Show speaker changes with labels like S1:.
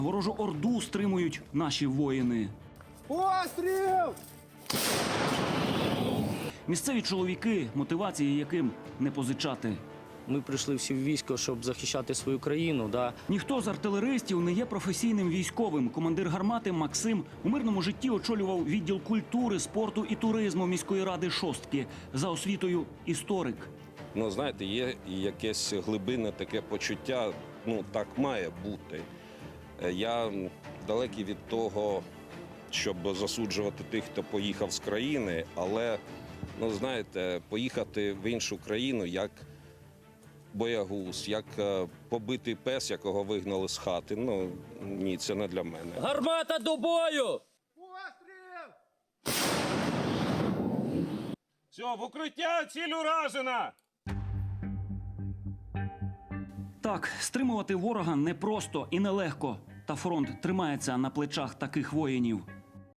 S1: Ворожу орду стримують наші воїни.
S2: Постріл!
S1: Місцеві чоловіки, мотивації яким не позичати.
S3: Ми прийшли всі в військо, щоб захищати свою країну. Да.
S1: Ніхто з артилеристів не є професійним військовим. Командир гармати Максим у мирному житті очолював відділ культури, спорту і туризму міської ради Шостки. За освітою – історик.
S4: Ну, знаєте, є якесь глибинне таке почуття, ну, так має бути. Я далекий від того, щоб засуджувати тих, хто поїхав з країни, але, ну, знаєте, поїхати в іншу країну, як боягуз, як побитий пес, якого вигнали з хати, ну, ні, це не для мене.
S3: Гармата до бою!
S2: Постріл!
S5: Все, в укриття, ціль уражена!
S1: Так, стримувати ворога непросто і нелегко. Та фронт тримається на плечах таких воїнів.